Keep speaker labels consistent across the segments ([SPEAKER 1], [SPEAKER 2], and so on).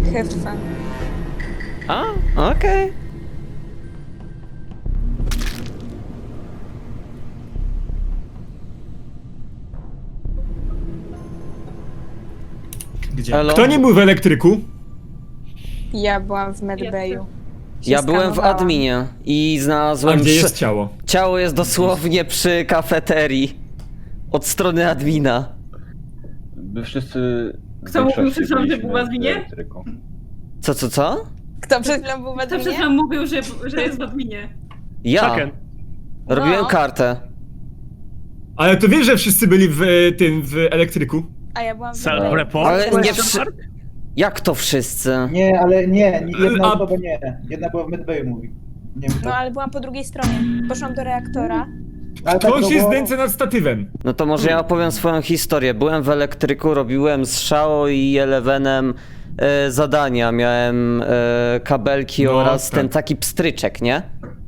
[SPEAKER 1] Have fun.
[SPEAKER 2] A, okej.
[SPEAKER 3] Gdzie?
[SPEAKER 2] Elo?
[SPEAKER 4] Kto nie był w elektryku?
[SPEAKER 1] Ja byłam w medbayu.
[SPEAKER 2] Ja byłem w adminie i
[SPEAKER 4] A
[SPEAKER 2] znalazłem...
[SPEAKER 4] gdzie jest ciało?
[SPEAKER 2] Ciało jest dosłownie przy kafeterii. Od strony admina.
[SPEAKER 5] My wszyscy...
[SPEAKER 6] Kto mówił przed chwilą, że
[SPEAKER 5] byliśmy
[SPEAKER 6] był w adminie?
[SPEAKER 5] elektryką.
[SPEAKER 2] Co?
[SPEAKER 1] Kto przed chwilą był w
[SPEAKER 6] Kto przed
[SPEAKER 1] adminie?
[SPEAKER 6] chwilą mówił, że jest w adminie?
[SPEAKER 2] Ja.
[SPEAKER 7] Chucken.
[SPEAKER 2] Robiłem
[SPEAKER 1] No.
[SPEAKER 2] kartę.
[SPEAKER 4] Ale to wiesz, że wszyscy byli w w elektryku?
[SPEAKER 1] A ja byłam w medbayu.
[SPEAKER 7] Self-report?
[SPEAKER 2] Ale nie Jak to wszyscy?
[SPEAKER 8] Nie, ale nie, jedna
[SPEAKER 4] A-
[SPEAKER 8] osoba nie. Jedna była w medbayu, mówi. Nie wiem,
[SPEAKER 1] No ale byłam po drugiej stronie. Poszłam do reaktora.
[SPEAKER 8] ale tak
[SPEAKER 4] Ktoś
[SPEAKER 8] to
[SPEAKER 4] jest
[SPEAKER 8] było-
[SPEAKER 4] zdjęcie nad statywem.
[SPEAKER 2] No to może ja opowiem swoją historię. Byłem w elektryku, robiłem z Shao i Elevenem zadania. Miałem kabelki
[SPEAKER 4] No,
[SPEAKER 2] oraz
[SPEAKER 4] tak.
[SPEAKER 2] ten taki pstryczek, nie?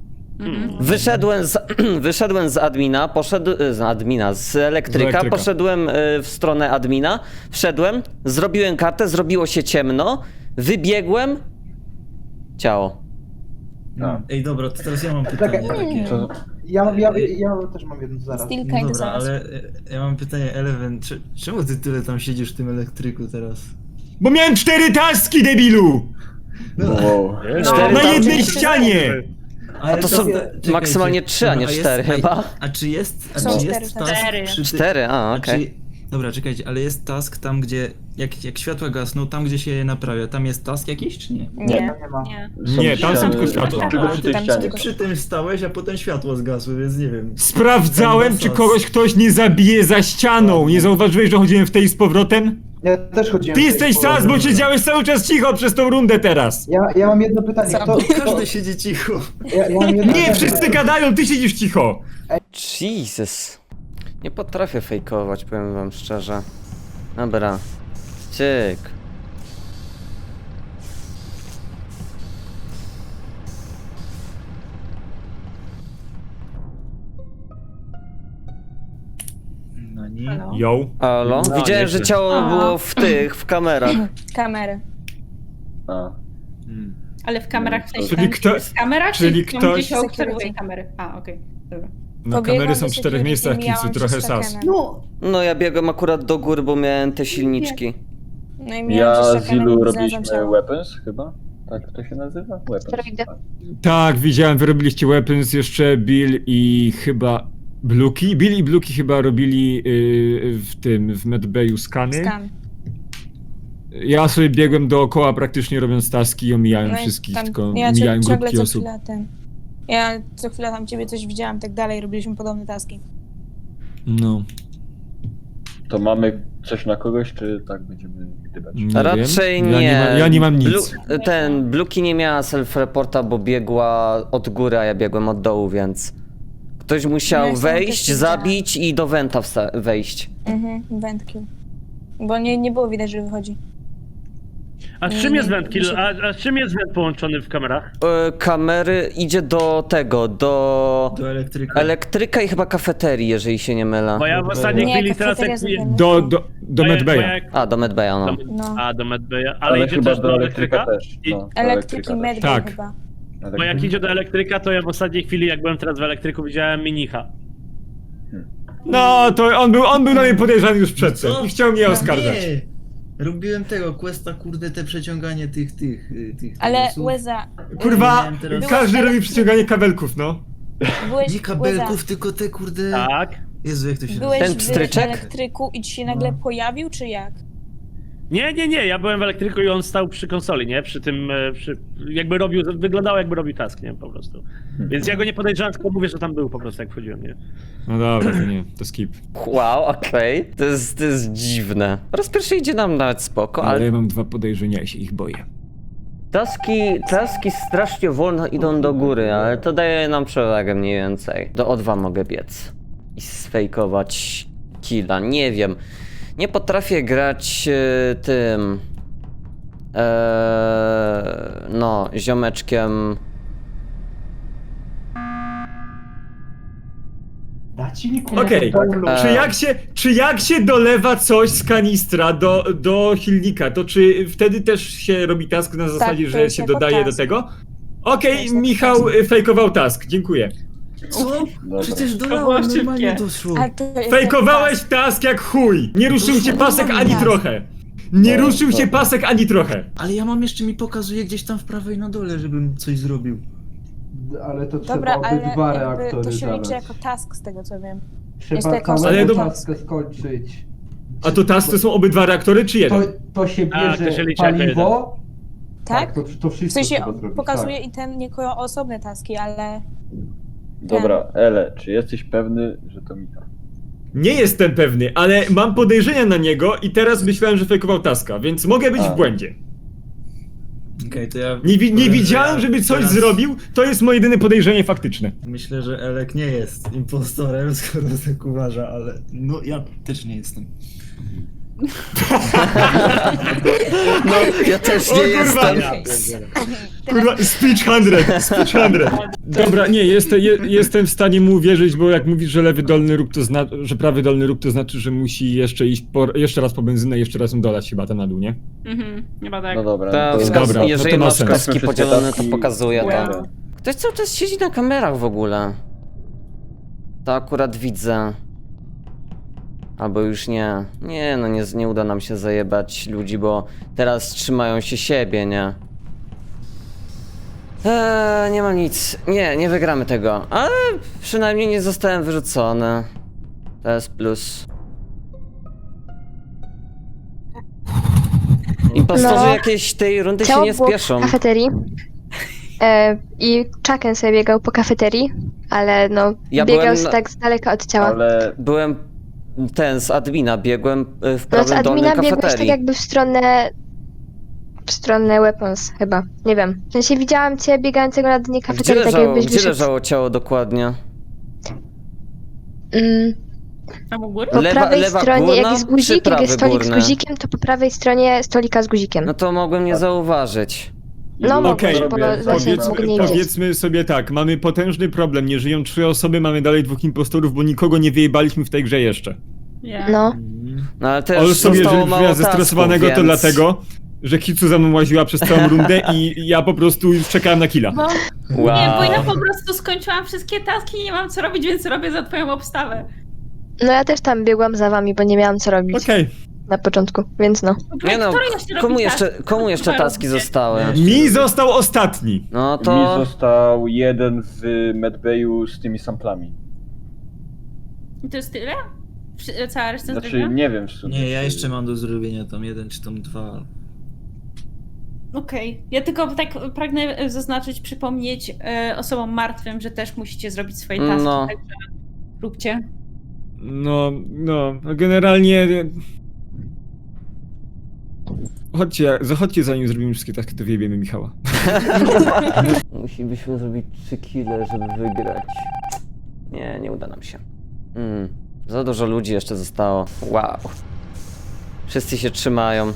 [SPEAKER 2] Wyszedłem z admina, z elektryka, poszedłem w stronę admina, wszedłem, zrobiłem kartę, zrobiło się ciemno, wybiegłem, ciało.
[SPEAKER 3] Ej, dobra, to teraz ja mam
[SPEAKER 8] Czekaj,
[SPEAKER 3] pytanie takie.
[SPEAKER 5] To
[SPEAKER 8] ja też mam jedno zaraz.
[SPEAKER 1] Still
[SPEAKER 3] No
[SPEAKER 1] kinda
[SPEAKER 3] dobra,
[SPEAKER 1] zaraz.
[SPEAKER 3] ale ja mam pytanie, Eleven, czemu ty tyle tam siedzisz w tym elektryku teraz?
[SPEAKER 4] Bo miałem 4 taski, debilu!
[SPEAKER 5] wow.
[SPEAKER 2] Cztery
[SPEAKER 4] Na
[SPEAKER 2] tam-
[SPEAKER 4] jednej ścianie!
[SPEAKER 3] Ale
[SPEAKER 2] to są maksymalnie 3, a nie 4 chyba.
[SPEAKER 3] A czy jest
[SPEAKER 1] Są cztery
[SPEAKER 3] task
[SPEAKER 6] taski.
[SPEAKER 3] przy ty-
[SPEAKER 2] 4,
[SPEAKER 3] a
[SPEAKER 2] okej.
[SPEAKER 3] czy- Dobra, czekajcie, ale jest task tam, gdzie jak światła gasną, tam gdzie się je naprawia, tam jest task jakiś, czy nie?
[SPEAKER 1] Nie.
[SPEAKER 8] Nie ma.
[SPEAKER 6] Nie.
[SPEAKER 4] Nie, tam są tylko światła.
[SPEAKER 5] Tylko przy tej
[SPEAKER 1] Tam
[SPEAKER 5] ścianie.
[SPEAKER 3] Ty
[SPEAKER 1] tylko-
[SPEAKER 3] przy tym stałeś, a potem światło zgasły, więc nie wiem.
[SPEAKER 4] Sprawdzałem, czy kogoś ktoś nie zabije za ścianą. Nie zauważyłeś, że chodziłem w tej z powrotem?
[SPEAKER 8] Ja też chodziłem.
[SPEAKER 4] Ty
[SPEAKER 8] w tej
[SPEAKER 4] jesteś
[SPEAKER 8] połowie.
[SPEAKER 4] sas, bo siedziałeś cały czas cicho przez tą rundę teraz.
[SPEAKER 8] Ja mam jedno pytanie.
[SPEAKER 1] Co?
[SPEAKER 3] Każdy siedzi cicho.
[SPEAKER 8] Ja mam jedno
[SPEAKER 4] Nie,
[SPEAKER 8] pytanie.
[SPEAKER 4] wszyscy gadają, ty siedzisz cicho.
[SPEAKER 2] Jesus. Nie potrafię fejkować, powiem wam szczerze. Dobra. Cyk.
[SPEAKER 3] No nie.
[SPEAKER 6] Halo?
[SPEAKER 4] Yo.
[SPEAKER 2] Halo?
[SPEAKER 7] No,
[SPEAKER 2] Widziałem,
[SPEAKER 7] nieźle.
[SPEAKER 2] że ciało
[SPEAKER 6] A.
[SPEAKER 2] było w kamerach.
[SPEAKER 1] Kamery.
[SPEAKER 5] A.
[SPEAKER 6] Ale w kamerach w sensie
[SPEAKER 4] Czyli
[SPEAKER 6] tam,
[SPEAKER 4] kto-
[SPEAKER 6] w kamerach,
[SPEAKER 4] czyli
[SPEAKER 6] czy tam,
[SPEAKER 4] ktoś-
[SPEAKER 6] gdzie się obserwuje kamery? A, okej, dobra.
[SPEAKER 4] No
[SPEAKER 1] Pobiegłam
[SPEAKER 4] kamery są
[SPEAKER 1] do
[SPEAKER 4] w 4
[SPEAKER 1] security,
[SPEAKER 4] miejscach,
[SPEAKER 1] mijałam
[SPEAKER 4] Kicu,
[SPEAKER 1] się
[SPEAKER 4] trochę
[SPEAKER 1] z
[SPEAKER 4] sas.
[SPEAKER 1] Chuckenem.
[SPEAKER 6] No,
[SPEAKER 2] No ja biegłem akurat do góry, bo miałem te silniczki.
[SPEAKER 1] No i mijałam się
[SPEAKER 5] Ja
[SPEAKER 1] z
[SPEAKER 5] z
[SPEAKER 1] Chuckenem
[SPEAKER 5] Ilu
[SPEAKER 1] i
[SPEAKER 5] robiliśmy
[SPEAKER 1] znalazłam ciało.
[SPEAKER 5] weapons chyba? Tak to się nazywa? Weapons.
[SPEAKER 4] Tak, widziałem, wy robiliście weapons, jeszcze Bill i chyba Bluki. Bill i Bluki chyba robili w medbayu skany.
[SPEAKER 1] Skan.
[SPEAKER 4] Ja sobie biegłem dookoła praktycznie robiąc taski i omijałem
[SPEAKER 1] No i
[SPEAKER 4] wszystkich,
[SPEAKER 1] tam-
[SPEAKER 4] tylko
[SPEAKER 1] ja
[SPEAKER 4] mijałem
[SPEAKER 1] ciągle
[SPEAKER 4] grupki
[SPEAKER 1] co
[SPEAKER 4] osób.
[SPEAKER 1] chwilę Ja co chwilę tam ciebie coś widziałam, tak dalej, robiliśmy podobne taski.
[SPEAKER 4] No,
[SPEAKER 5] To mamy coś na kogoś, czy tak będziemy gdybać?
[SPEAKER 4] nie
[SPEAKER 2] Raczej
[SPEAKER 4] wiem.
[SPEAKER 2] nie.
[SPEAKER 4] Ja nie mam nic.
[SPEAKER 2] Bluki nie miała self-reporta, bo biegła od góry, a ja biegłem od dołu, więc... Ktoś
[SPEAKER 1] No,
[SPEAKER 2] musiał
[SPEAKER 1] ja sam
[SPEAKER 2] wejść,
[SPEAKER 1] też
[SPEAKER 2] zabić i do Wenta wejść.
[SPEAKER 1] Wędkill. Bo nie było widać, że wychodzi.
[SPEAKER 7] A z czym jest wędkill? A z czym jest węd połączony w kamerach?
[SPEAKER 2] Kamery idzie do tego, do
[SPEAKER 3] Do elektryka.
[SPEAKER 2] elektryka i chyba kafeterii, jeżeli się nie mylę.
[SPEAKER 7] Bo ja w ostatniej
[SPEAKER 1] Nie,
[SPEAKER 7] chwili teraz
[SPEAKER 1] kafeteria
[SPEAKER 7] jak...
[SPEAKER 1] zupełnie.
[SPEAKER 4] Do medbaya.
[SPEAKER 2] A, do Medbaya, no.
[SPEAKER 1] No.
[SPEAKER 7] A, do Medbaya. Ale
[SPEAKER 5] Ale
[SPEAKER 7] idzie
[SPEAKER 5] chyba
[SPEAKER 7] też do elektryka?
[SPEAKER 5] też.
[SPEAKER 7] I-
[SPEAKER 5] No, do
[SPEAKER 1] Elektryki
[SPEAKER 5] też.
[SPEAKER 1] medbay
[SPEAKER 4] Tak.
[SPEAKER 1] chyba.
[SPEAKER 7] Bo jak idzie do elektryka, to ja w ostatniej chwili, jak byłem teraz w elektryku, widziałem minicha.
[SPEAKER 4] No, to on był na mnie podejrzany już przedtem
[SPEAKER 3] Co?
[SPEAKER 4] i chciał mnie oskarżać.
[SPEAKER 3] Nie! Robiłem tego questa, kurde, te przeciąganie tych
[SPEAKER 1] Ale
[SPEAKER 3] osób.
[SPEAKER 1] Łeza,
[SPEAKER 4] Kurwa,
[SPEAKER 3] miałem teraz-
[SPEAKER 4] każdy robi przyciąganie kabelków, no.
[SPEAKER 1] byłeś,
[SPEAKER 3] Nie kabelków, tylko te kurde...
[SPEAKER 7] Tak.
[SPEAKER 3] Jezu, jak to się
[SPEAKER 1] byłeś
[SPEAKER 2] Ten
[SPEAKER 1] w
[SPEAKER 2] pstryczek?
[SPEAKER 1] elektryku i ci się nagle pojawił, czy jak?
[SPEAKER 7] Nie, ja byłem w elektryku i on stał przy konsoli, nie? Przy tym, jakby robił, wyglądało jakby robił task, nie? Po prostu. Więc ja go nie podejrzewam, tylko mówię, że tam był po prostu, jak wchodziłem, nie?
[SPEAKER 4] No dobra, to nie, to skip.
[SPEAKER 2] Wow, okej. To jest dziwne. Raz pierwszy idzie nam nawet spoko,
[SPEAKER 4] Ale
[SPEAKER 2] ale
[SPEAKER 4] ja mam 2 podejrzenia, ja się ich boję.
[SPEAKER 2] taski strasznie wolno idą do góry, ale to daje nam przewagę mniej więcej. Do O2 mogę biec i sfejkować killa, nie wiem. Nie potrafię grać tym... no, ziomeczkiem...
[SPEAKER 8] ci
[SPEAKER 4] Okej, czy jak się dolewa coś z kanistra do silnika, to czy wtedy też się robi task na zasadzie,
[SPEAKER 1] to
[SPEAKER 4] że
[SPEAKER 1] jest
[SPEAKER 4] się
[SPEAKER 1] jako
[SPEAKER 4] dodaje do
[SPEAKER 1] task.
[SPEAKER 4] tego?
[SPEAKER 1] To
[SPEAKER 4] Okej,
[SPEAKER 1] jest jako
[SPEAKER 4] Michał fejkował task, dziękuję.
[SPEAKER 3] Co?
[SPEAKER 5] Dobra.
[SPEAKER 3] Przecież
[SPEAKER 6] było
[SPEAKER 3] dolałem,
[SPEAKER 6] szybkie.
[SPEAKER 3] normalnie doszło.
[SPEAKER 1] Ale to jest
[SPEAKER 4] Fejkowałeś
[SPEAKER 1] jako
[SPEAKER 4] task jak chuj! Nie ruszył się pasek ani
[SPEAKER 1] task.
[SPEAKER 4] trochę! Nie
[SPEAKER 5] No,
[SPEAKER 4] ruszył się
[SPEAKER 5] dobra.
[SPEAKER 4] pasek ani trochę!
[SPEAKER 3] Ale ja mam jeszcze, mi pokazuje gdzieś tam w prawej na dole, żebym coś zrobił.
[SPEAKER 8] Ale to trzeba
[SPEAKER 1] Dobra, ale
[SPEAKER 8] obydwa
[SPEAKER 1] jakby
[SPEAKER 8] reaktory
[SPEAKER 1] to się liczy
[SPEAKER 8] zalać.
[SPEAKER 1] jako task z tego co wiem. Jest to
[SPEAKER 8] Trzeba
[SPEAKER 1] jako
[SPEAKER 4] Ale
[SPEAKER 8] całego
[SPEAKER 4] to-
[SPEAKER 8] taskę skończyć.
[SPEAKER 4] A to task to są obydwa reaktory, czy jeden?
[SPEAKER 8] To się
[SPEAKER 7] Tak, to
[SPEAKER 8] bierze
[SPEAKER 7] się liczy jako
[SPEAKER 8] paliwo.
[SPEAKER 1] Tak?
[SPEAKER 8] to
[SPEAKER 1] W
[SPEAKER 8] wszystko
[SPEAKER 1] sensie
[SPEAKER 8] trzeba zrobić.
[SPEAKER 1] pokazuje
[SPEAKER 8] tak.
[SPEAKER 1] i ten jako osobne taski, ale...
[SPEAKER 5] Dobra, Ele, czy jesteś pewny, że to Michał?
[SPEAKER 4] Nie jestem pewny, ale mam podejrzenia na niego i teraz myślałem, że fejkował taska, więc mogę być
[SPEAKER 5] A.
[SPEAKER 4] w błędzie.
[SPEAKER 3] Okej, to ja...
[SPEAKER 4] Nie
[SPEAKER 3] powiem, że
[SPEAKER 4] widziałem,
[SPEAKER 3] ja
[SPEAKER 4] żeby coś
[SPEAKER 3] teraz
[SPEAKER 4] zrobił, to jest moje jedyne podejrzenie faktyczne.
[SPEAKER 3] Myślę, że Elek nie jest impostorem, skoro tak uważa, ale no ja też nie jestem.
[SPEAKER 2] No, ja też
[SPEAKER 4] O
[SPEAKER 2] nie
[SPEAKER 4] kurwa!
[SPEAKER 2] jestem.
[SPEAKER 4] Kurwa, speech 100, speech 100. Dobra, nie, jestem w stanie mu uwierzyć, bo jak mówisz, że lewy dolny róg to że prawy dolny róg to znaczy, że musi jeszcze iść jeszcze raz po benzynę i jeszcze raz ją dolać chyba tam na dół, nie?
[SPEAKER 6] Chyba tak.
[SPEAKER 5] No dobra.
[SPEAKER 2] Ta,
[SPEAKER 5] to-
[SPEAKER 2] wskaz,
[SPEAKER 4] Dobra,
[SPEAKER 2] jeżeli
[SPEAKER 4] to ma
[SPEAKER 2] masz
[SPEAKER 4] sens.
[SPEAKER 2] kaski
[SPEAKER 5] Wszystkie
[SPEAKER 2] podzielone, to
[SPEAKER 5] taski-
[SPEAKER 2] pokazuje
[SPEAKER 6] Wow.
[SPEAKER 2] to. Ktoś cały czas siedzi na kamerach w ogóle. To akurat widzę. Albo już nie. Nie, no nie uda nam się zajebać ludzi, bo teraz trzymają się siebie, nie? Nie mam nic. Nie wygramy tego. Ale przynajmniej nie zostałem wyrzucony. To jest plus. Impostorzy
[SPEAKER 9] No.
[SPEAKER 2] jakiejś tej rundy się
[SPEAKER 9] Ciało
[SPEAKER 2] nie
[SPEAKER 9] było
[SPEAKER 2] spieszą.
[SPEAKER 9] w kafeterii. I Chucken sobie biegał po kafeterii, ale no
[SPEAKER 2] Ja
[SPEAKER 9] biegał
[SPEAKER 2] byłem
[SPEAKER 9] z tak z daleka od ciała.
[SPEAKER 5] Ale
[SPEAKER 2] Byłem z admina, biegłem w
[SPEAKER 9] No z
[SPEAKER 2] prawym dolnym
[SPEAKER 9] admina biegłeś tak
[SPEAKER 2] kafeterii.
[SPEAKER 9] jakby w stronę weapons chyba, nie wiem. W sensie widziałam cię biegającego na dnie
[SPEAKER 2] Gdzie
[SPEAKER 9] kafeterii, tak
[SPEAKER 2] leżało,
[SPEAKER 9] jakbyś
[SPEAKER 2] gdzie
[SPEAKER 9] wyszedł.
[SPEAKER 2] leżało ciało dokładnie?
[SPEAKER 6] Tam u góry?
[SPEAKER 9] Po prawej
[SPEAKER 2] lewa
[SPEAKER 9] stronie, jak
[SPEAKER 2] górna,
[SPEAKER 9] jest
[SPEAKER 2] czy
[SPEAKER 9] guzik, jak
[SPEAKER 2] prawy
[SPEAKER 9] jest stolik
[SPEAKER 2] górny?
[SPEAKER 9] z guzikiem, to po prawej stronie stolika z guzikiem.
[SPEAKER 2] No to mogłem nie zauważyć.
[SPEAKER 9] No mogłeś,
[SPEAKER 4] Okej,
[SPEAKER 9] bo
[SPEAKER 5] zrobię-
[SPEAKER 9] właśnie
[SPEAKER 5] powiedz-
[SPEAKER 9] mógł nie widzieć.
[SPEAKER 4] Powiedzmy sobie tak, mamy potężny problem, nie żyją 3 osoby, mamy dalej 2 impostorów, bo nikogo nie wyjebaliśmy w tej grze jeszcze.
[SPEAKER 6] Ja.
[SPEAKER 9] No.
[SPEAKER 2] No ale też
[SPEAKER 4] Ale sobie,
[SPEAKER 2] zostało
[SPEAKER 4] że
[SPEAKER 2] mało
[SPEAKER 4] ja zestresowanego
[SPEAKER 2] tasków,
[SPEAKER 4] to
[SPEAKER 2] więc...
[SPEAKER 4] dlatego, że Kitsu za mną łaziła przez całą rundę i ja po prostu już czekałem na killa.
[SPEAKER 6] Bo,
[SPEAKER 2] Wow.
[SPEAKER 6] Nie, bo ja po prostu skończyłam wszystkie taski i nie mam co robić, więc robię za twoją obstawę.
[SPEAKER 9] No ja też tam biegłam za wami, bo nie miałam co robić
[SPEAKER 4] Okej.
[SPEAKER 9] na początku, więc no.
[SPEAKER 2] Nie no,
[SPEAKER 6] Który jeszcze robi
[SPEAKER 2] komu jeszcze
[SPEAKER 6] Chyba
[SPEAKER 2] taski
[SPEAKER 6] robicie.
[SPEAKER 2] zostały?
[SPEAKER 4] Mi został ostatni.
[SPEAKER 2] No
[SPEAKER 5] mi
[SPEAKER 2] to...
[SPEAKER 5] został jeden w medbayu z tymi samplami.
[SPEAKER 6] I to jest tyle? Cała reszta
[SPEAKER 5] Znaczy,
[SPEAKER 6] zrobiona?
[SPEAKER 5] nie wiem w sumie.
[SPEAKER 3] Nie, ja
[SPEAKER 5] czy-
[SPEAKER 3] jeszcze mam do zrobienia tam 1 czy tam 2.
[SPEAKER 6] Okej. Ja tylko tak pragnę zaznaczyć, przypomnieć osobom martwym, że też musicie zrobić swoje taski,
[SPEAKER 2] No.
[SPEAKER 6] także róbcie.
[SPEAKER 4] No, generalnie... Zachodźcie zanim zrobimy wszystkie taski, to wyjebiemy Michała.
[SPEAKER 2] Musilibyśmy zrobić 3 kile, żeby wygrać. Nie uda nam się. Za dużo ludzi jeszcze zostało. Wow. Wszyscy się trzymają.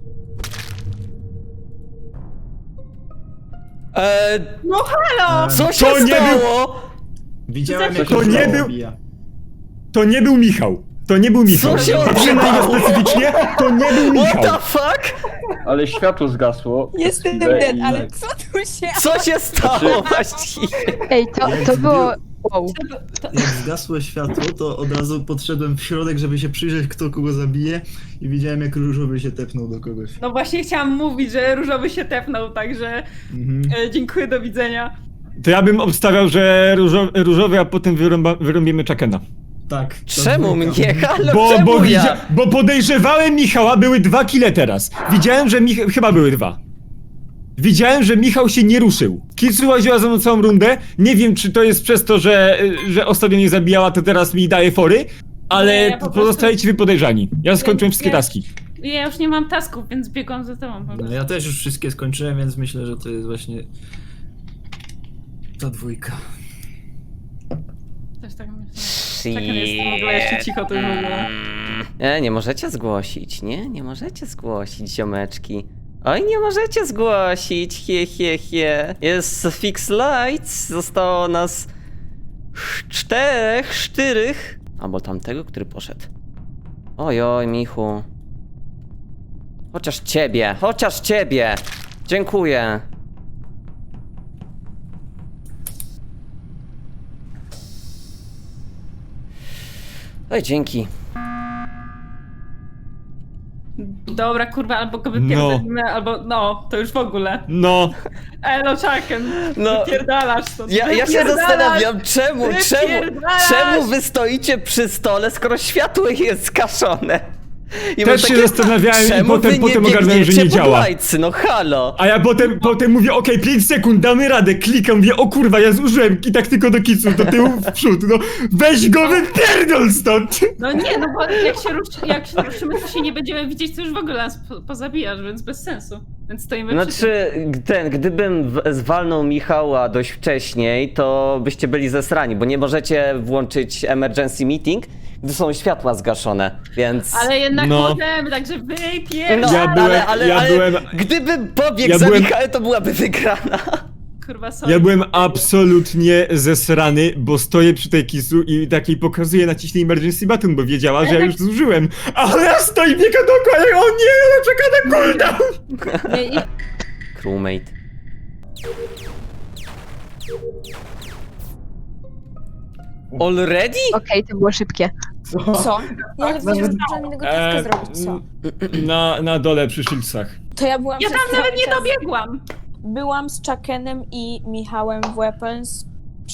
[SPEAKER 6] No halo!
[SPEAKER 2] Co się
[SPEAKER 4] To nie
[SPEAKER 2] stało?
[SPEAKER 3] Widziałem, jak
[SPEAKER 4] To
[SPEAKER 3] się
[SPEAKER 4] nie
[SPEAKER 3] to
[SPEAKER 4] był-
[SPEAKER 3] obija.
[SPEAKER 4] To nie był Michał. To nie był Michał.
[SPEAKER 2] Co się
[SPEAKER 4] Przynajmniej
[SPEAKER 2] odbywało?
[SPEAKER 4] specyficznie, to nie był
[SPEAKER 2] What
[SPEAKER 4] Michał.
[SPEAKER 2] the fuck?
[SPEAKER 5] Ale światło zgasło.
[SPEAKER 1] Jestem
[SPEAKER 5] chwilę
[SPEAKER 1] dead,
[SPEAKER 5] i-
[SPEAKER 1] ale co tu się...
[SPEAKER 2] Co się stało właściwie?
[SPEAKER 9] Ej, to było... Wow.
[SPEAKER 3] Jak zgasło światło, to od razu podszedłem w środek, żeby się przyjrzeć, kto kogo zabije i widziałem, jak różowy się tepnął do kogoś.
[SPEAKER 6] No właśnie chciałam mówić, że różowy się tepnął, także
[SPEAKER 3] Mhm.
[SPEAKER 6] dziękuję, do widzenia.
[SPEAKER 4] To ja bym obstawiał, że różowy, a potem wyrąbimy Chuckena.
[SPEAKER 3] Tak. ta
[SPEAKER 2] Czemu
[SPEAKER 3] dwójka.
[SPEAKER 2] mnie? Halo, czemu ja?
[SPEAKER 4] Bo podejrzewałem Michała, były 2 kile teraz. Widziałem, że chyba były 2. Widziałem, że Michał się nie ruszył. Kitsu łaziła za mną całą rundę. Nie wiem, czy to jest przez to, że ostatnio mnie zabijała, to teraz mi daje fory, ale
[SPEAKER 6] Nie, ja po prostu-
[SPEAKER 4] pozostajecie wy podejrzani. Ja skończyłem wszystkie
[SPEAKER 6] Ja-
[SPEAKER 4] taski.
[SPEAKER 6] Ja już nie mam tasków, więc biegłam za tobą. Po
[SPEAKER 3] No,
[SPEAKER 6] prostu.
[SPEAKER 3] ja też już wszystkie skończyłem, więc myślę, że to jest właśnie ta dwójka.
[SPEAKER 6] Też tak myślę. Czekam, jestem w ogóle jeszcze cicho tu w ogóle.
[SPEAKER 2] Nie możecie zgłosić, nie możecie zgłosić, ziomeczki. Oj, nie możecie zgłosić, he. Jest Fix Lights, zostało nas czterech. Albo tamtego, który poszedł. Ojoj, Michu. Chociaż ciebie. Dziękuję. Oj, dzięki.
[SPEAKER 6] Dobra, kurwa, albo go
[SPEAKER 4] No.
[SPEAKER 6] wypierdolimy, albo no, to już w ogóle.
[SPEAKER 4] No,
[SPEAKER 6] Elo, Chucken,
[SPEAKER 2] No.
[SPEAKER 6] wypierdalasz to.
[SPEAKER 2] Ja się
[SPEAKER 6] Wypierdalasz!
[SPEAKER 2] zastanawiam,
[SPEAKER 6] Wypierdalasz!
[SPEAKER 2] czemu wy stoicie przy stole, skoro światło jest skaszone? I
[SPEAKER 4] też
[SPEAKER 2] mam
[SPEAKER 4] się
[SPEAKER 2] takie,
[SPEAKER 4] zastanawiałem i
[SPEAKER 2] czemu wy
[SPEAKER 4] potem
[SPEAKER 2] nie
[SPEAKER 4] ogarnąłem, że
[SPEAKER 2] biegniecie
[SPEAKER 4] nie
[SPEAKER 2] pod
[SPEAKER 4] działa.
[SPEAKER 2] lajcy? No halo.
[SPEAKER 4] A ja potem mówię, okej, 5 sekund, damy radę, klikam, mówię, o kurwa, ja zużyłem i tak tylko do kicu, do tyłu, w przód, no weź go, wypierdol stąd!
[SPEAKER 6] No nie, no bo jak się ruszymy, to się nie będziemy widzieć, to już w ogóle nas pozabijasz, więc bez sensu. Więc stoimy przy
[SPEAKER 2] Znaczy, gdybym zwalnął Michała dość wcześniej, to byście byli zesrani, bo nie możecie włączyć emergency meeting, gdy są światła zgaszone, więc...
[SPEAKER 6] Ale jednak
[SPEAKER 4] No.
[SPEAKER 6] możemy, także
[SPEAKER 2] No,
[SPEAKER 6] wypierdalaj!
[SPEAKER 2] ale gdybym pobiegł za Michałem, to byłaby wygrana.
[SPEAKER 6] Kurwa, sorry.
[SPEAKER 4] Ja byłem absolutnie zesrany, bo stoję przy tej kisu i takiej pokazuję naciśnij emergency button, bo wiedziała, że ja już zużyłem. Ale ja stoję i biega dookoła i o nie, ona czeka na cooldown!
[SPEAKER 6] Nie,
[SPEAKER 2] Crewmate. Already?
[SPEAKER 9] Okej, to było szybkie.
[SPEAKER 1] Co? Ja nie zdążyłam żadnego taska zrobić, co?
[SPEAKER 4] Na dole przy Shieldsach.
[SPEAKER 1] To ja byłam
[SPEAKER 6] ja
[SPEAKER 1] przez
[SPEAKER 6] tam
[SPEAKER 1] cały
[SPEAKER 6] nawet nie
[SPEAKER 1] czas-
[SPEAKER 6] dobiegłam!
[SPEAKER 1] Byłam z Chuckenem i Michałem w Weapons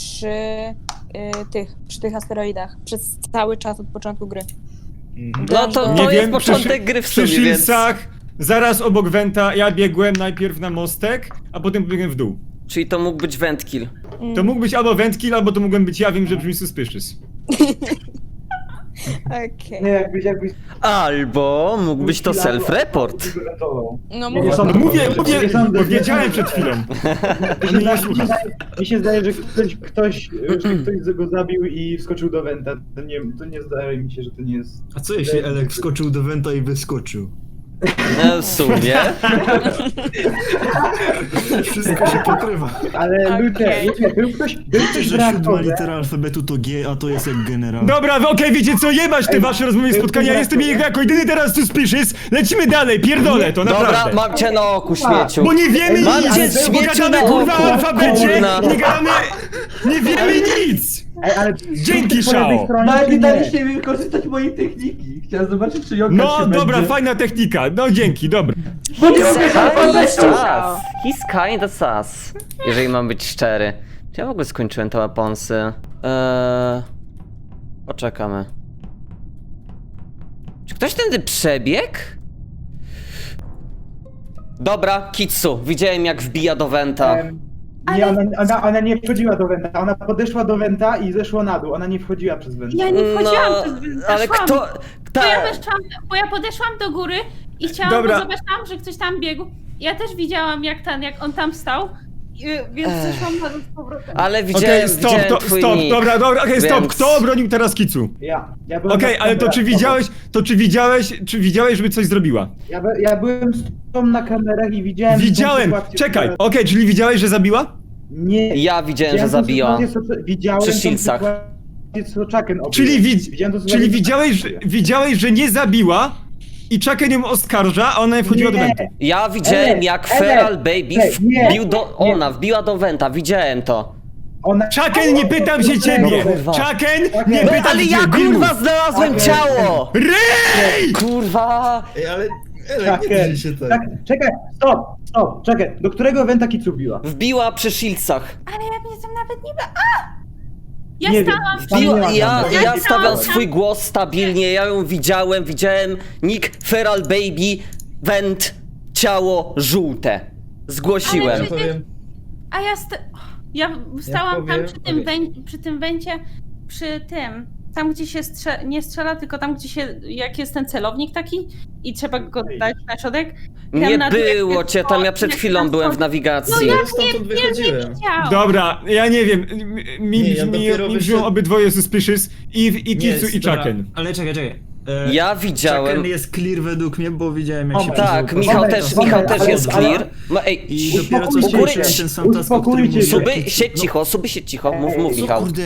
[SPEAKER 1] przy tych asteroidach. Przez cały czas od początku gry.
[SPEAKER 2] No to
[SPEAKER 4] Nie
[SPEAKER 2] jest
[SPEAKER 4] wiem,
[SPEAKER 2] początek gry w
[SPEAKER 4] przy
[SPEAKER 2] sumie, więc...
[SPEAKER 4] Shieldsach, zaraz obok Venta, ja biegłem najpierw na mostek, a potem biegłem w dół.
[SPEAKER 2] Czyli to mógł być wentkill.
[SPEAKER 4] To mógł być albo Ventkill, albo to mogłem być ja, wiem, że brzmi suspicious.
[SPEAKER 1] Okej.
[SPEAKER 8] Nie, jakbyś
[SPEAKER 2] Albo mógł być to self-report.
[SPEAKER 8] uratował.
[SPEAKER 1] No
[SPEAKER 8] Nie
[SPEAKER 1] mówię,
[SPEAKER 8] sądzę.
[SPEAKER 4] No mówię,
[SPEAKER 8] Nie sądzę, nie
[SPEAKER 4] powiedziałem
[SPEAKER 8] sądzę.
[SPEAKER 4] przed chwilą.
[SPEAKER 8] Mi
[SPEAKER 4] On mnie
[SPEAKER 8] się
[SPEAKER 4] nie
[SPEAKER 8] zdaje-
[SPEAKER 4] słucha.
[SPEAKER 8] Mi się zdaje, że ktoś go zabił i wskoczył do Wenta. To nie zdaje mi się, że to nie jest...
[SPEAKER 3] A co jeśli Elek wskoczył do Wenta i wyskoczył?
[SPEAKER 2] No, w sumie.
[SPEAKER 3] Wszystko się pokrywa.
[SPEAKER 8] Ale
[SPEAKER 1] Okej.
[SPEAKER 8] ludzie, był ktoś
[SPEAKER 3] Wiecie,
[SPEAKER 8] w
[SPEAKER 3] że siódma
[SPEAKER 8] reaktorze.
[SPEAKER 3] litera alfabetu to G, a to jest jak generał.
[SPEAKER 4] Dobra, okej, wiecie co, jebać te wasze rozmowy i
[SPEAKER 8] ej,
[SPEAKER 4] spotkania,
[SPEAKER 8] ej,
[SPEAKER 4] jestem
[SPEAKER 8] ej,
[SPEAKER 4] jako jedyny teraz suspicious, lecimy dalej, pierdolę to,
[SPEAKER 2] Dobra,
[SPEAKER 4] naprawdę.
[SPEAKER 2] mam cię na oku, śmieciu.
[SPEAKER 4] Bo nie wiemy
[SPEAKER 2] Mam
[SPEAKER 4] nic,
[SPEAKER 2] cię
[SPEAKER 4] bo
[SPEAKER 2] śmieciu
[SPEAKER 4] gadamy
[SPEAKER 2] na
[SPEAKER 4] kurwa
[SPEAKER 2] oku,
[SPEAKER 4] o alfabecie,
[SPEAKER 2] kurna.
[SPEAKER 4] nie gadamy, nie wiemy nic.
[SPEAKER 8] Ej, ale
[SPEAKER 4] Dzięki,
[SPEAKER 8] po lewej
[SPEAKER 4] Szao.
[SPEAKER 8] stronie,
[SPEAKER 10] Nawet
[SPEAKER 8] czy
[SPEAKER 10] nie
[SPEAKER 8] nie?
[SPEAKER 10] daliście mi wykorzystać mojej techniki. Chciałem zobaczyć, czy Jonka
[SPEAKER 4] No
[SPEAKER 10] się
[SPEAKER 4] dobra,
[SPEAKER 10] będzie...
[SPEAKER 4] fajna technika, no dzięki, dobra.
[SPEAKER 2] He's sus. He's kinda sus. Jeżeli mam być szczery. Czy ja w ogóle skończyłem te weaponsy? Poczekamy. Czy ktoś tędy przebiegł? Dobra, Kitsu. Widziałem jak wbija do Wenta.
[SPEAKER 8] Nie, ona nie wchodziła do Wenta. Ona podeszła do Wenta i zeszła na dół. Ona nie wchodziła przez Wenta.
[SPEAKER 6] Ja nie wchodziłam przez
[SPEAKER 2] ale
[SPEAKER 6] zeszłam.
[SPEAKER 2] kto...
[SPEAKER 6] Bo ja podeszłam do góry i chciałam,
[SPEAKER 4] Dobra.
[SPEAKER 6] bo zobaczyłam, że ktoś tam biegł. Ja też widziałam, jak on tam stał, więc zeszłam na dół z powrotem.
[SPEAKER 2] Ale widziałem,
[SPEAKER 4] Okej, stop,
[SPEAKER 2] widziałem twój
[SPEAKER 4] stop,
[SPEAKER 2] nick,
[SPEAKER 4] dobra, okej, stop,
[SPEAKER 2] więc-
[SPEAKER 4] kto obronił teraz Kicu?
[SPEAKER 8] Ja byłem
[SPEAKER 4] Okej,
[SPEAKER 8] na
[SPEAKER 4] ale to
[SPEAKER 8] kamerach.
[SPEAKER 4] czy widziałeś, żeby coś zrobiła?
[SPEAKER 8] Ja byłem z tą na kamerach i widziałem...
[SPEAKER 4] Widziałem,
[SPEAKER 8] tą sytuację,
[SPEAKER 4] czekaj,
[SPEAKER 8] która-
[SPEAKER 4] okej, czyli widziałeś, że zabiła?
[SPEAKER 8] Nie.
[SPEAKER 2] Ja widziałem, że
[SPEAKER 8] tą
[SPEAKER 2] zabiła.
[SPEAKER 8] sytuację, widziałem
[SPEAKER 2] Przy
[SPEAKER 8] tą
[SPEAKER 2] Shieldsach.
[SPEAKER 8] sytuację, co Chucken obiegł.
[SPEAKER 4] Czyli
[SPEAKER 8] Widziałem tą sytuację,
[SPEAKER 4] widziałeś, że nie zabiła i Chucken ją oskarża, a ona nie wchodziła do
[SPEAKER 8] Nie.
[SPEAKER 4] Wentu.
[SPEAKER 2] Ja widziałem
[SPEAKER 8] Ej,
[SPEAKER 2] jak
[SPEAKER 8] ej,
[SPEAKER 2] Feral Baby
[SPEAKER 8] ej, nie,
[SPEAKER 2] wbił do...
[SPEAKER 8] nie.
[SPEAKER 2] Ona wbiła do Wenta, widziałem to.
[SPEAKER 8] Ona...
[SPEAKER 4] Chucken, nie pytam się ciebie!
[SPEAKER 2] kurwa.
[SPEAKER 4] Chucken, nie
[SPEAKER 2] No
[SPEAKER 4] pytam
[SPEAKER 2] ale
[SPEAKER 4] się
[SPEAKER 2] ja
[SPEAKER 4] ciebie!
[SPEAKER 2] kurwa znalazłem ciało!
[SPEAKER 4] Rej!
[SPEAKER 2] Kurwa!
[SPEAKER 3] Ej, ale Elek, nie drzyj się tak.
[SPEAKER 8] Tak, czekaj, stop, czekaj. Do którego Wenta Kicu biła?
[SPEAKER 2] Wbiła przy Shieldsach.
[SPEAKER 6] Ale ja mnie tam nawet nie... Ja
[SPEAKER 8] Nie wiem.
[SPEAKER 6] stałam...
[SPEAKER 2] Wbiła, ja
[SPEAKER 6] Ja
[SPEAKER 2] stawiam
[SPEAKER 6] stałam
[SPEAKER 2] swój głos stabilnie, ja ją widziałem nick Feral Baby, Went, ciało żółte. Zgłosiłem.
[SPEAKER 6] Ale
[SPEAKER 3] Powiem,
[SPEAKER 6] A ja stałam
[SPEAKER 3] powiem-
[SPEAKER 6] tam przy tym węcie, tam gdzie się nie strzela, tylko tam gdzie się, jak jest ten celownik taki i trzeba go dać na środek. I tam
[SPEAKER 2] Nie
[SPEAKER 6] na dół, jak
[SPEAKER 2] było
[SPEAKER 6] jest
[SPEAKER 2] cię, tam ja
[SPEAKER 6] to,
[SPEAKER 2] przed
[SPEAKER 6] jak
[SPEAKER 2] chwilą
[SPEAKER 6] tam
[SPEAKER 2] byłem
[SPEAKER 6] są-
[SPEAKER 2] w nawigacji.
[SPEAKER 6] No ja
[SPEAKER 3] stamtąd
[SPEAKER 6] nie
[SPEAKER 3] wychodziłem.
[SPEAKER 6] widziałam.
[SPEAKER 4] Dobra, ja nie wiem,
[SPEAKER 3] Nie, ja dopiero
[SPEAKER 4] mi brzmią
[SPEAKER 3] wyszedłem-
[SPEAKER 4] obydwoje suspicious i Kicu i
[SPEAKER 3] dobra,
[SPEAKER 4] Chucken.
[SPEAKER 3] Ale czekaj.
[SPEAKER 2] Ja widziałem...
[SPEAKER 3] Chucken jest clear według mnie, bo widziałem jak się
[SPEAKER 2] Tak,
[SPEAKER 3] przeżył
[SPEAKER 2] Michał
[SPEAKER 3] postać.
[SPEAKER 2] też,
[SPEAKER 8] Dobra,
[SPEAKER 2] Michał też
[SPEAKER 8] ale-
[SPEAKER 2] jest
[SPEAKER 8] ale-
[SPEAKER 2] clear. No ej,
[SPEAKER 3] I dopiero co
[SPEAKER 8] Uspokójcie
[SPEAKER 3] skończyłem
[SPEAKER 2] się.
[SPEAKER 3] ten sam task, o którym
[SPEAKER 8] Uspokójcie się.
[SPEAKER 3] mówiłem.
[SPEAKER 2] Suby, siedź cicho, mów
[SPEAKER 3] Co
[SPEAKER 2] Michał.
[SPEAKER 3] kurde?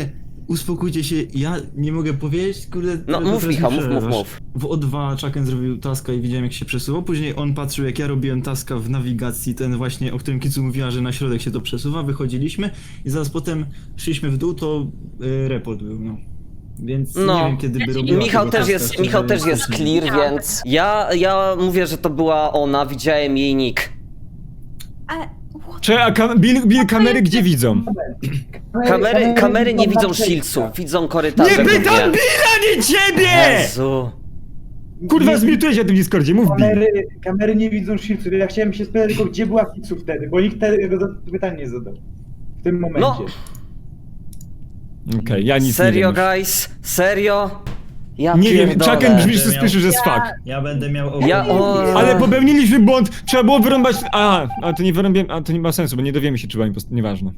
[SPEAKER 3] uspokójcie się, ja nie mogę powiedzieć, kurde...
[SPEAKER 2] No
[SPEAKER 3] tylko
[SPEAKER 2] mów
[SPEAKER 3] teraz
[SPEAKER 2] Michał,
[SPEAKER 3] mi
[SPEAKER 2] mów.
[SPEAKER 3] przerywasz. W O2 Chucken zrobił taska i widziałem jak się przesuwał, później on patrzył jak ja robiłem taska w nawigacji, ten właśnie, o którym Kicu mówiła, że na środek się to przesuwa, wychodziliśmy i zaraz potem szliśmy w dół, to report był, no. Więc
[SPEAKER 2] No.
[SPEAKER 3] nie wiem kiedy by
[SPEAKER 2] I
[SPEAKER 3] robiła
[SPEAKER 2] Michał
[SPEAKER 3] tego
[SPEAKER 2] też
[SPEAKER 3] taska,
[SPEAKER 2] jest,
[SPEAKER 3] szczerze,
[SPEAKER 2] Michał też jest
[SPEAKER 3] faktycznie.
[SPEAKER 2] clear, więc ja mówię, że to była ona, widziałem jej nick.
[SPEAKER 6] Ale...
[SPEAKER 4] Czy a Bill kamery gdzie widzą?
[SPEAKER 2] Kamery nie widzą shieldsów, widzą korytarze.
[SPEAKER 4] Nie pytam
[SPEAKER 2] głównie.
[SPEAKER 4] Billa, nie ciebie!
[SPEAKER 2] Jezu.
[SPEAKER 4] Kurwa, zmiutuję się na tym Discordzie, mów Bill.
[SPEAKER 8] Kamery nie widzą shieldsów. Ja chciałem się spytać tylko, gdzie była Kicu wtedy, bo nikt tego pytania nie zadał. W tym momencie.
[SPEAKER 2] No.
[SPEAKER 4] Okej, ja nic
[SPEAKER 2] Serio,
[SPEAKER 4] nie wiem.
[SPEAKER 2] guys? Serio? Ja
[SPEAKER 4] Nie wiem,
[SPEAKER 2] pierdolę.
[SPEAKER 4] Chucken brzmisz
[SPEAKER 3] Będę
[SPEAKER 4] suspicious
[SPEAKER 3] miał-
[SPEAKER 4] as fuck.
[SPEAKER 3] Ja będę miał
[SPEAKER 4] Ale popełniliśmy błąd, trzeba było wyrąbać... Aha, a to nie wyrąbiłem, a to nie ma sensu, bo nie dowiemy się, czy była impostor, nieważne.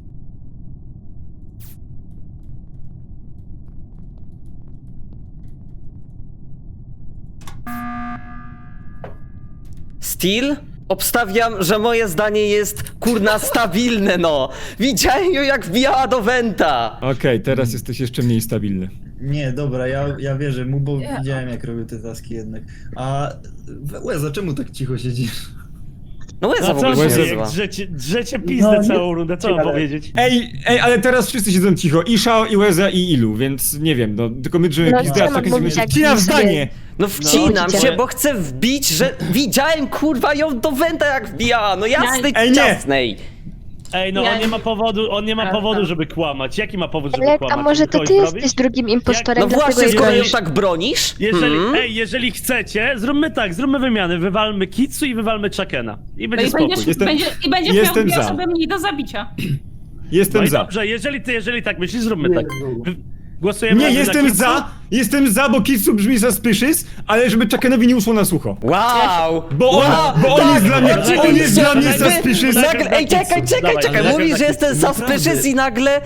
[SPEAKER 2] Steel? Obstawiam, że moje zdanie jest kurna stabilne, no. Widziałem ją jak wbijała do Wenta.
[SPEAKER 4] Okej, teraz jesteś jeszcze mniej stabilny.
[SPEAKER 3] Nie, dobra, ja wierzę mu, bo widziałem jak robił te taski jednak. A Łeza, czemu tak cicho siedzisz?
[SPEAKER 2] No Łeza
[SPEAKER 7] No
[SPEAKER 2] w
[SPEAKER 7] co
[SPEAKER 2] ogóle
[SPEAKER 7] on
[SPEAKER 2] się
[SPEAKER 7] powie,
[SPEAKER 2] nazywa.
[SPEAKER 7] drzecie pizdę
[SPEAKER 8] No, nie-
[SPEAKER 7] całą rundę, co mam
[SPEAKER 8] ale-
[SPEAKER 7] powiedzieć?
[SPEAKER 4] Ej, ale teraz wszyscy siedzą cicho, i Shao, i Łeza, i Ilu, więc nie wiem, no, tylko my drżymy
[SPEAKER 9] No,
[SPEAKER 4] pizdę, a
[SPEAKER 9] trzeba
[SPEAKER 4] Chucken
[SPEAKER 9] mówić,
[SPEAKER 4] sobie
[SPEAKER 9] jak
[SPEAKER 4] wcina w
[SPEAKER 9] pizdy.
[SPEAKER 4] zdanie!
[SPEAKER 2] No wcinam
[SPEAKER 9] No.
[SPEAKER 2] się, bo chcę wbić, że widziałem kurwa ją do Wenta jak wbijała, no jasnej
[SPEAKER 4] Ej, nie.
[SPEAKER 2] ciasnej.
[SPEAKER 7] Ej, no
[SPEAKER 6] Ja-
[SPEAKER 7] on nie ma powodu, żeby kłamać. Jaki ma powód, żeby
[SPEAKER 9] Ale,
[SPEAKER 7] kłamać?
[SPEAKER 9] a może
[SPEAKER 7] Żeby
[SPEAKER 9] to
[SPEAKER 7] kogoś
[SPEAKER 9] ty
[SPEAKER 7] zrobić?
[SPEAKER 9] jesteś drugim impostorem,
[SPEAKER 2] No
[SPEAKER 9] dlatego
[SPEAKER 2] właśnie,
[SPEAKER 9] jej
[SPEAKER 2] skoro ją
[SPEAKER 9] bronisz.
[SPEAKER 2] tak bronisz.
[SPEAKER 7] Jeżeli chcecie, zróbmy tak, zróbmy wymiany. Wywalmy Kitsu i wywalmy Chuckena. I będzie
[SPEAKER 6] I
[SPEAKER 7] spokój.
[SPEAKER 6] będziesz,
[SPEAKER 4] Jestem-
[SPEAKER 6] będziesz
[SPEAKER 4] jestem
[SPEAKER 6] miał dwie
[SPEAKER 4] za.
[SPEAKER 6] osoby mniej do zabicia.
[SPEAKER 7] No
[SPEAKER 4] Jestem
[SPEAKER 7] i
[SPEAKER 4] za.
[SPEAKER 7] dobrze, jeżeli tak myślisz, zróbmy tak. Głosujemy
[SPEAKER 4] Nie,
[SPEAKER 7] razem na
[SPEAKER 4] jestem za, bo Kitsu brzmi suspicious, ale żeby Chuckenowi nie uszło na sucho.
[SPEAKER 2] Wow!
[SPEAKER 4] Bo on, bo on jest dla mnie, on jest dla mnie
[SPEAKER 7] Wy-
[SPEAKER 4] suspicious.
[SPEAKER 2] Nagle, ej, czekaj,
[SPEAKER 7] Dawaj,
[SPEAKER 2] mówisz, że
[SPEAKER 7] tak,
[SPEAKER 2] jestem suspicious i nagle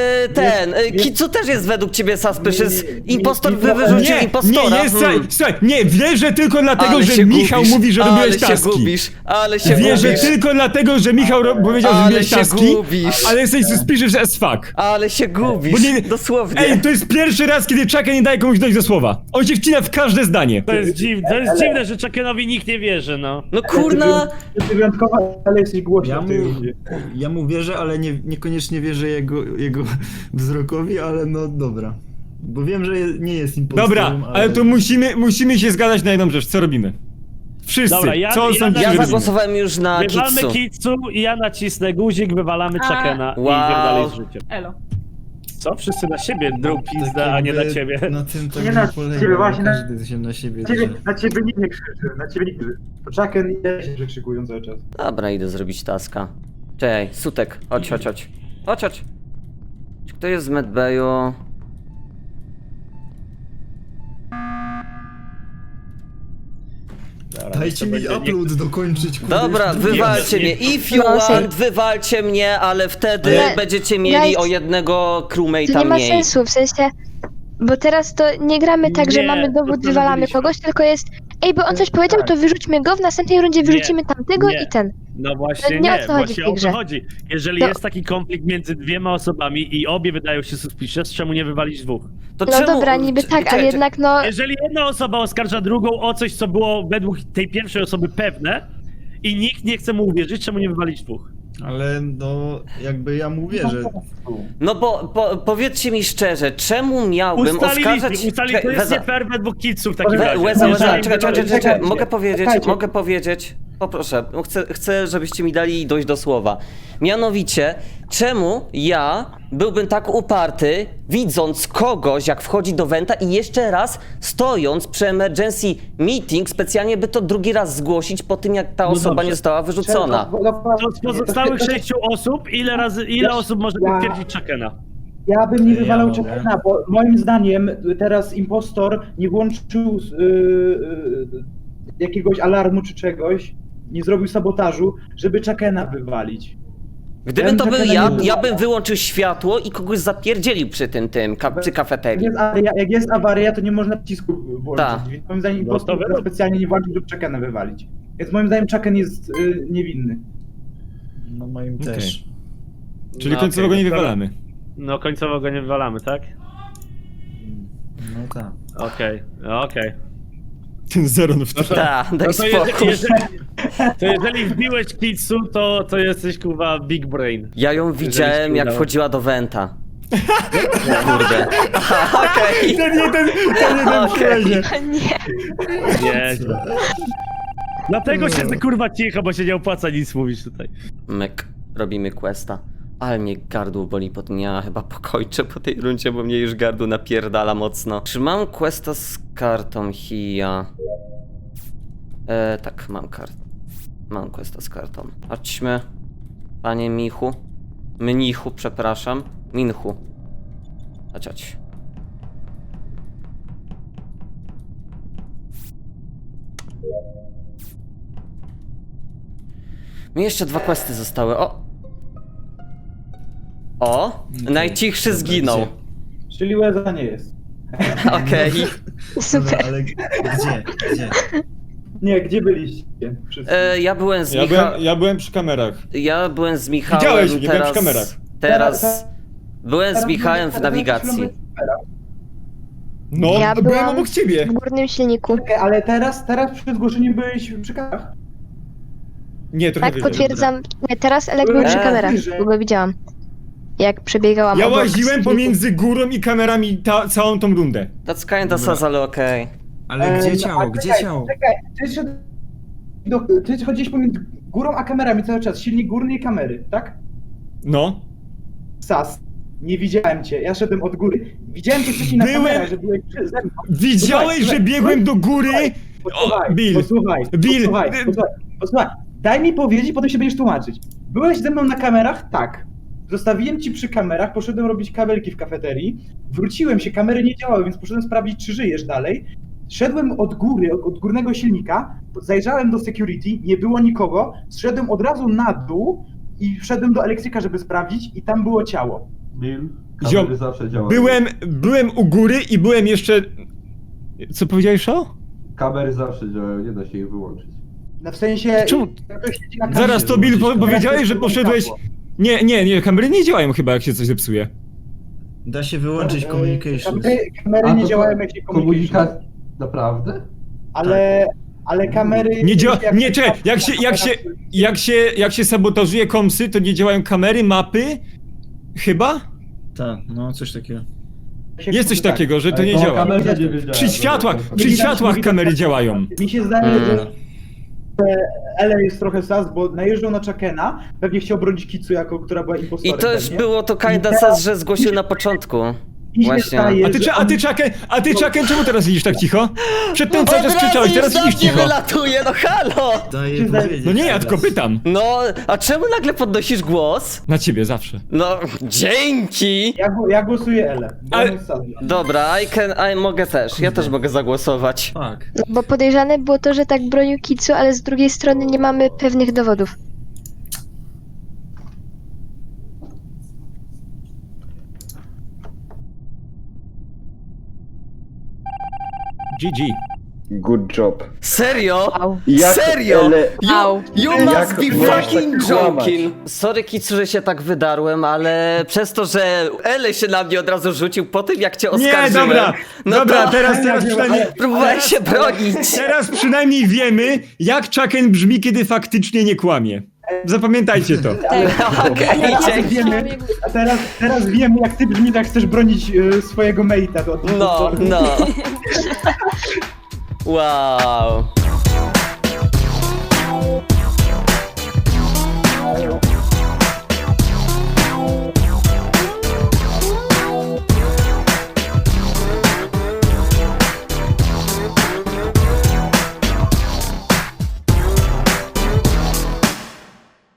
[SPEAKER 2] Kitsu też jest według ciebie suspicious. Impostor wyrzucił impostora.
[SPEAKER 4] Słuchaj, nie, wierzę tylko dlatego,
[SPEAKER 2] Ale
[SPEAKER 4] że
[SPEAKER 2] się
[SPEAKER 4] Michał
[SPEAKER 2] gubisz,
[SPEAKER 4] mówi, że
[SPEAKER 2] ale
[SPEAKER 4] robiłeś
[SPEAKER 2] się
[SPEAKER 4] taski.
[SPEAKER 2] gubisz, ale się
[SPEAKER 4] Wierzę
[SPEAKER 2] gubisz.
[SPEAKER 4] tylko dlatego, że Michał powiedział, że
[SPEAKER 2] Ale
[SPEAKER 4] robiłeś
[SPEAKER 2] się
[SPEAKER 4] taski,
[SPEAKER 2] gubisz.
[SPEAKER 4] ale jesteś suspicious as fuck.
[SPEAKER 2] Ale się gubisz,
[SPEAKER 4] Bo nie-
[SPEAKER 2] dosłownie.
[SPEAKER 4] Ej, to jest pierwszy raz, kiedy Chucken nie daje komuś dojść do słowa. On się wcina w każde zdanie.
[SPEAKER 7] To jest dziwne, że Chuckenowi nikt nie wierzy, no.
[SPEAKER 2] No kurna,
[SPEAKER 8] Ty wyjątkowa, ale jesteś głośny
[SPEAKER 3] Ja
[SPEAKER 8] w
[SPEAKER 3] mu,
[SPEAKER 8] tej rundzie.
[SPEAKER 3] ja mu wierzę, ale niekoniecznie wierzę jego wzrokowi, ale no dobra. Bo wiem, że nie jest impostorem,
[SPEAKER 4] Dobra, ale to musimy się zgadać na jedną rzecz. Co robimy? Wszyscy.
[SPEAKER 7] Dobra,
[SPEAKER 4] Co on sądzi,
[SPEAKER 2] ja
[SPEAKER 4] że robimy?
[SPEAKER 2] zagłosowałem już na
[SPEAKER 7] Wywalmy
[SPEAKER 2] Kitsu.
[SPEAKER 7] Kitsu i ja nacisnę guzik, wywalamy
[SPEAKER 6] A-
[SPEAKER 7] Chuckena i
[SPEAKER 2] Wow.
[SPEAKER 7] idziemy dalej z życiem.
[SPEAKER 6] Elo.
[SPEAKER 7] Co? Wszyscy na siebie drą
[SPEAKER 3] Tak
[SPEAKER 7] pizdę, a nie na
[SPEAKER 3] jakby
[SPEAKER 7] ciebie.
[SPEAKER 3] Na tym to
[SPEAKER 8] Nie
[SPEAKER 3] nie
[SPEAKER 8] na
[SPEAKER 3] polega,
[SPEAKER 8] ciebie,
[SPEAKER 3] bo
[SPEAKER 8] właśnie na-
[SPEAKER 3] każdy się na siebie
[SPEAKER 8] Na ciebie nikt nie krzyczy, na ciebie nikt nie krzyczy. To Chucken i ja się przekrzykują cały czas.
[SPEAKER 2] Dobra, idę zrobić taska. Czekaj, Sutek, chodź. Chodź. Czy kto jest z medbayu?
[SPEAKER 3] Dajcie mi upload dokończyć, kurde.
[SPEAKER 2] Dobra,
[SPEAKER 3] już drugi
[SPEAKER 2] wywalcie
[SPEAKER 3] raz.
[SPEAKER 2] mnie. If you
[SPEAKER 9] No,
[SPEAKER 2] want, wywalcie mnie, ale wtedy
[SPEAKER 9] Ale-
[SPEAKER 2] będziecie mieli
[SPEAKER 9] Guys,
[SPEAKER 2] o jednego
[SPEAKER 9] To
[SPEAKER 2] crewmate'a
[SPEAKER 9] nie ma
[SPEAKER 2] mniej.
[SPEAKER 9] sensu, w sensie... Bo teraz to nie gramy tak, że
[SPEAKER 7] Nie,
[SPEAKER 9] mamy dowód,
[SPEAKER 7] to
[SPEAKER 9] wywalamy
[SPEAKER 7] zrobiliśmy.
[SPEAKER 9] kogoś, tylko jest... Ej, bo on coś powiedział, to wyrzućmy go, w następnej rundzie wyrzucimy tamtego
[SPEAKER 7] Nie.
[SPEAKER 9] i ten.
[SPEAKER 7] No właśnie
[SPEAKER 9] Nie o
[SPEAKER 7] nie,
[SPEAKER 9] co chodzi
[SPEAKER 7] właśnie
[SPEAKER 9] w tej
[SPEAKER 7] o to
[SPEAKER 9] grze.
[SPEAKER 7] chodzi. Jeżeli
[SPEAKER 9] No.
[SPEAKER 7] jest taki konflikt między dwiema osobami i obie wydają się suspicious, czemu nie wywalić dwóch?
[SPEAKER 2] To
[SPEAKER 9] No
[SPEAKER 2] czemu-
[SPEAKER 9] dobra, niby tak,
[SPEAKER 2] czekaj,
[SPEAKER 9] ale jednak no...
[SPEAKER 7] Jeżeli jedna osoba oskarża drugą o coś, co było według tej pierwszej osoby pewne i nikt nie chce mu uwierzyć, czemu nie wywalić dwóch?
[SPEAKER 3] Ale no, jakby ja mu wierzę.
[SPEAKER 2] No bo powiedzcie mi szczerze, czemu miałbym oskarżać...
[SPEAKER 7] Ustalili, to
[SPEAKER 2] Czekaj,
[SPEAKER 7] jest
[SPEAKER 2] Weza-
[SPEAKER 7] nie fair według kitsów w takim
[SPEAKER 2] We-
[SPEAKER 7] razie.
[SPEAKER 2] Łeza,
[SPEAKER 7] Jeżeli-
[SPEAKER 2] czekaj, mogę
[SPEAKER 8] Czekajcie.
[SPEAKER 2] powiedzieć, poproszę, no chcę, żebyście mi dali dojść do słowa. Mianowicie, czemu ja byłbym tak uparty, widząc kogoś, jak wchodzi do Wenta i jeszcze raz stojąc przy emergency meeting, specjalnie by to drugi raz zgłosić po tym, jak ta osoba
[SPEAKER 7] dobrze.
[SPEAKER 2] nie została wyrzucona.
[SPEAKER 7] To z pozostałych 6 osób, ile osób może potwierdzić Chuckena?
[SPEAKER 8] Ja bym nie
[SPEAKER 3] Ja
[SPEAKER 8] wywalał
[SPEAKER 3] mogę.
[SPEAKER 8] Chuckena, bo moim zdaniem teraz impostor nie włączył jakiegoś alarmu czy czegoś, nie zrobił sabotażu, żeby Chuckena wywalić.
[SPEAKER 2] Gdybym
[SPEAKER 8] Ja
[SPEAKER 2] to
[SPEAKER 8] bym
[SPEAKER 2] był
[SPEAKER 8] Chuckena
[SPEAKER 2] ja,
[SPEAKER 8] nie
[SPEAKER 2] ja
[SPEAKER 8] wywalał.
[SPEAKER 2] bym wyłączył światło i kogoś zapierdzielił przy przy kafeterii.
[SPEAKER 8] Jak jest awaria, to nie można przycisku włączyć.
[SPEAKER 2] Tak.
[SPEAKER 8] Więc moim zdaniem
[SPEAKER 7] No
[SPEAKER 8] impostor
[SPEAKER 7] to wiadomo.
[SPEAKER 8] specjalnie nie włączył, żeby Chuckena wywalić. Więc moim zdaniem Chucken jest niewinny.
[SPEAKER 3] No moim
[SPEAKER 4] Okej.
[SPEAKER 3] też.
[SPEAKER 4] Czyli
[SPEAKER 7] No
[SPEAKER 4] końcowo go
[SPEAKER 7] okej,
[SPEAKER 4] nie
[SPEAKER 7] dobra.
[SPEAKER 4] wywalamy.
[SPEAKER 7] No końcowo go nie wywalamy, tak?
[SPEAKER 3] No tak.
[SPEAKER 7] Okej.
[SPEAKER 4] Ten Zeron w to.
[SPEAKER 2] Ta, daj
[SPEAKER 7] No to
[SPEAKER 2] spokój.
[SPEAKER 7] jeżeli wbiłeś Kitsu, to jesteś kurwa big brain.
[SPEAKER 2] Ja ją widziałem, jak
[SPEAKER 7] udało.
[SPEAKER 2] wchodziła do Wenta. Kurde. Aha, okej.
[SPEAKER 4] Ten jeden
[SPEAKER 2] Okej.
[SPEAKER 9] Nie.
[SPEAKER 7] Nie. Dlatego się kurwa cicho, bo się nie opłaca nic mówić tutaj.
[SPEAKER 2] Myk, robimy questa. Ale mnie gardło boli po tym, ja chyba pokończę po tej rundzie, bo mnie już gardło napierdala mocno. Czy mam questa z kartą Hia? Tak, mam kartę. Mam questa z kartą. Chodźmy. Panie Michu. Mnichu, przepraszam. Minchu. Chodź. Mi jeszcze 2 questy zostały. O! Najcichszy zginął.
[SPEAKER 8] Czyli Łeza nie jest.
[SPEAKER 2] Okej.
[SPEAKER 9] Super.
[SPEAKER 3] Ale gdzie?
[SPEAKER 8] Nie, gdzie byliście? Wszyscy.
[SPEAKER 2] Ja byłem z Michałem.
[SPEAKER 4] Ja byłem przy kamerach.
[SPEAKER 2] Ja byłem z Michałem.
[SPEAKER 4] Widziałeś mnie, byłem w kamerach.
[SPEAKER 2] Teraz. Byłem z Michałem w nawigacji.
[SPEAKER 4] No,
[SPEAKER 9] Ja
[SPEAKER 4] byłem
[SPEAKER 9] byłam
[SPEAKER 4] obok ciebie.
[SPEAKER 9] W górnym silniku.
[SPEAKER 8] Czekaj, ale teraz przy zgłoszeniu byłeś przy kamerach?
[SPEAKER 4] Nie, trochę
[SPEAKER 9] Tak,
[SPEAKER 4] wyżej.
[SPEAKER 9] potwierdzam. Nie, teraz Elek był przy kamerach,
[SPEAKER 8] wyżej.
[SPEAKER 9] bo go widziałam. Jak przebiegałam
[SPEAKER 4] Ja
[SPEAKER 9] obok
[SPEAKER 4] łaziłem
[SPEAKER 9] silniku.
[SPEAKER 4] pomiędzy górą i kamerami całą tą rundę.
[SPEAKER 2] That's kinda sus, ale okej.
[SPEAKER 3] Ale gdzie
[SPEAKER 8] No,
[SPEAKER 3] ciało?
[SPEAKER 8] a
[SPEAKER 3] Gdzie
[SPEAKER 8] czekaj,
[SPEAKER 3] ciało?
[SPEAKER 8] Czekaj, ty chodziłeś pomiędzy górą a kamerami cały czas, silnik górny i kamery, tak?
[SPEAKER 4] No.
[SPEAKER 8] Sas, nie widziałem cię, ja szedłem od góry. Widziałem cię wcześniej na
[SPEAKER 4] Byłem-
[SPEAKER 8] kamerach, że byłeś przy ze mną.
[SPEAKER 4] Widziałeś,
[SPEAKER 8] Słuchaj,
[SPEAKER 4] że biegłem do góry?
[SPEAKER 8] Posłuchaj,
[SPEAKER 4] Bill.
[SPEAKER 8] posłuchaj,
[SPEAKER 4] Bill.
[SPEAKER 8] posłuchaj. Daj mi powiedzieć, potem się będziesz tłumaczyć. Byłeś ze mną na kamerach? Tak. Zostawiłem ci przy kamerach, poszedłem robić kabelki w kafeterii, wróciłem się, kamery nie działały, więc poszedłem sprawdzić, czy żyjesz dalej. Szedłem od góry, od górnego silnika, zajrzałem do security, nie było nikogo, zszedłem od razu na dół i wszedłem do elektryka, żeby sprawdzić i tam było ciało.
[SPEAKER 10] Bill,
[SPEAKER 4] Ziom,
[SPEAKER 10] kamery zawsze działają.
[SPEAKER 4] Byłem u góry i byłem jeszcze... Co powiedziałeś, o?
[SPEAKER 10] Kamery zawsze działają, nie da się ich wyłączyć.
[SPEAKER 8] No w sensie...
[SPEAKER 4] Czemu?
[SPEAKER 8] jak ktoś siedzi na kamerze,
[SPEAKER 4] Zaraz to Bill powiedziałeś, że poszedłeś...
[SPEAKER 8] światło.
[SPEAKER 4] Nie, kamery nie działają chyba, jak się coś zepsuje.
[SPEAKER 3] Da się wyłączyć communications.
[SPEAKER 8] Kamery
[SPEAKER 10] A,
[SPEAKER 8] nie
[SPEAKER 10] to
[SPEAKER 8] działają jak się komunikacja.
[SPEAKER 10] Komunikat... Naprawdę?
[SPEAKER 8] Ale kamery...
[SPEAKER 4] Nie działa...
[SPEAKER 8] jak-
[SPEAKER 4] Nie, czekaj, jak się sabotażuje komsy, to nie działają kamery, mapy? Chyba?
[SPEAKER 3] Tak, no coś takiego.
[SPEAKER 4] Jest coś takiego, że to nie
[SPEAKER 10] Ale
[SPEAKER 4] działa.
[SPEAKER 10] kamerze nie wiedziałem.
[SPEAKER 4] Przy światłach kamery działają.
[SPEAKER 8] Mi się zdaje, że Ele jest trochę sas, bo najeżdżał na Chakena, pewnie chciał bronić Kitsu, która była
[SPEAKER 2] I
[SPEAKER 8] impostorem.
[SPEAKER 2] to już
[SPEAKER 8] pewnie.
[SPEAKER 2] było to kinda
[SPEAKER 8] I teraz-
[SPEAKER 2] sus, że zgłosił na początku.
[SPEAKER 8] Mi się
[SPEAKER 2] Właśnie.
[SPEAKER 8] zdaje,
[SPEAKER 4] A ty Chucken, czemu teraz idziesz tak cicho? Przedtem cały czas krzyczałeś, teraz idziesz
[SPEAKER 2] nie
[SPEAKER 4] cicho.
[SPEAKER 2] wylatuje, no halo!
[SPEAKER 3] Daję powiedzieć.
[SPEAKER 4] No nie, ja tylko pytam.
[SPEAKER 2] No, a czemu nagle podnosisz głos?
[SPEAKER 4] Na ciebie zawsze.
[SPEAKER 2] No, dzięki!
[SPEAKER 8] Ja głosuję Ele, bo
[SPEAKER 4] Ale-
[SPEAKER 8] on jest sas.
[SPEAKER 2] Dobra, mogę też, ja też mogę zagłosować.
[SPEAKER 3] Tak.
[SPEAKER 9] Bo podejrzane było to, że tak bronił Kitsu, ale z drugiej strony nie mamy pewnych dowodów.
[SPEAKER 4] GG.
[SPEAKER 5] Good job.
[SPEAKER 2] Serio?
[SPEAKER 9] Au.
[SPEAKER 2] Serio?
[SPEAKER 5] Ale...
[SPEAKER 9] Au.
[SPEAKER 2] You
[SPEAKER 5] Jak
[SPEAKER 2] must be
[SPEAKER 5] możesz
[SPEAKER 2] fucking
[SPEAKER 5] tak kłamać?
[SPEAKER 2] joking! Sorry Kitsu, że się tak wydarłem, ale przez to, że Ele się na mnie od razu rzucił po tym, jak cię oskarżyłem.
[SPEAKER 4] Nie, dobra,
[SPEAKER 2] No
[SPEAKER 4] dobra,
[SPEAKER 2] to
[SPEAKER 4] teraz przynajmniej...
[SPEAKER 2] próbowałem się bronić.
[SPEAKER 4] Teraz przynajmniej wiemy, jak Chucken brzmi, kiedy faktycznie nie kłamie. Zapamiętajcie to.
[SPEAKER 2] Okej, dzięki.
[SPEAKER 8] Teraz wiemy, jak ty brzmi, jak chcesz bronić swojego mate'a.
[SPEAKER 2] No. Wow.